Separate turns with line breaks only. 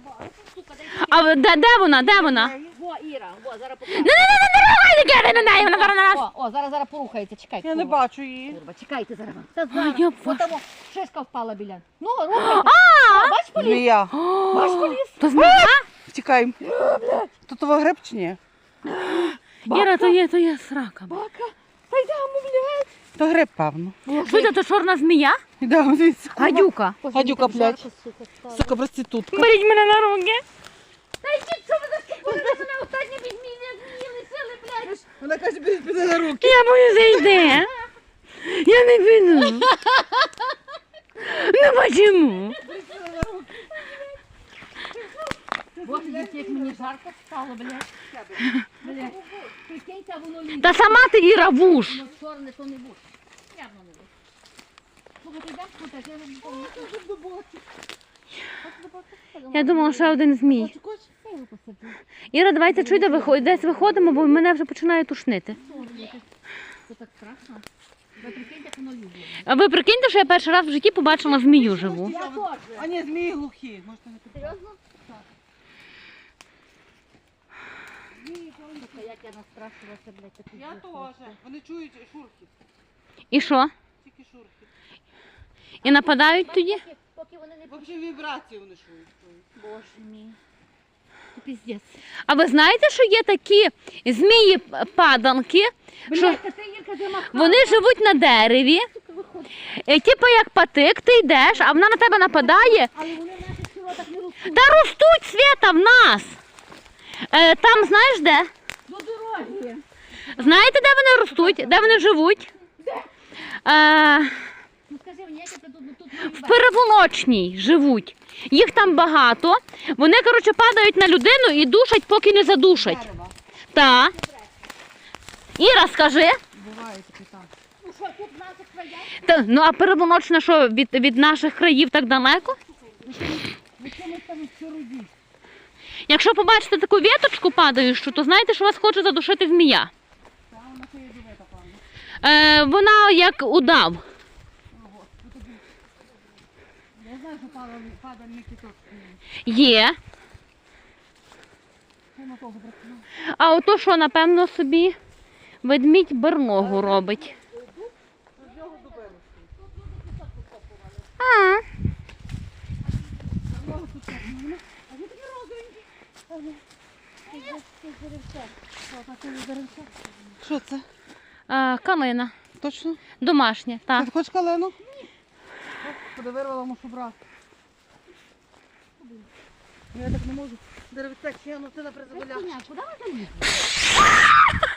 А де вона? Де вона?
Во, Іра, во, зараз покажу.
Не рухайте на неї, вона зараз на нас.
О, зараз порухається, чекайте.
Я не бачу її.
Курва, чекайте зараз. Та
я
зараз.
бачу.
Отамо, шишка впала біля. Ну, рухайте. Бач, поліз?
Змія.
Бач, поліз?
То змія?
Втікаємо. Тут того гриб чи ні?
Іра, то є срака.
Бака. Та йдемо, блядь.
То гриб, певно.
Що це, то чорна змія?
Йдемо, дивіться.
Гадюка.
Гадюка, блядь. Сука, проститутка.
Беріть мене на руки.
Та йдіть, що ви заступили? Мене останні від змії лишили, блядь.
Вона каже, піде на руки.
Я боюсь зайде. Я не піду. Ну почему?
Боже, дітей, як мені жарко стало, блядь. Блядь. Прикиньте, воно лізе.
Та сама ти Іра вуш.
Ну, чорне, то не будь. Явно не будь. Слухайте, йдемо спутати, я не помню.
Я думала, що один змій.
Я його посаджу.
Іра, давайте чуйте, десь виходимо, бо мене вже починає тушнити.
Це так страшно. Ви прикиньте, як воно лізе.
А ви прикиньте, що я перший раз в житті побачила змію живу.
Я теж.
А ні, змії глухі. Можете не піти.
Серйозно? Так. Слухай, як я настрашилася, блядь, таку
Я
дівчинку.
теж. Вони чують шурхіт.
І що?
Тільки шурхіт.
І нападають тоді?
Поки вони не...
Взагалі вібрації вони чують.
Боже мій. Це піздець.
А ви знаєте, що є такі змії-паданки, що
Блядь, та ти, Ірка, замахала.
вони живуть на дереві, типу як патик, ти йдеш, а вона на тебе нападає.
Але вони в наших широтах не ростуть.
Та ростуть, Свята, в нас. Там знаєш де?
До дороги.
Знаєте, де вони ростуть? Де вони живуть?
Ну скажи мені, як я тут маю
В Переволочній живуть. Їх там багато. Вони, коротше, падають на людину і душать, поки не задушать.
Дерева.
Так. Іра, скажи.
Буває таке так.
Ну що, тут в наших краях?
Ну а Переволочна що, від наших країв так далеко?
Ви чому там все родіть?
Якщо побачите таку віточку падаючу, то знаєте, що вас хоче задушити змія.
Та вона це є дубета, певно.
Вона як удав.
Я знаю, що падає не кіток.
Є.
На того бракує.
А ото що, напевно, собі ведмідь берлогу робить. А,
Що це?
калина.
Точно?
Домашня, так.
Ти хочеш калену? Куди вирвала, мушу брати. Я так не можу. Деревця, чи я носила при заболячці.
Куди ви залізли?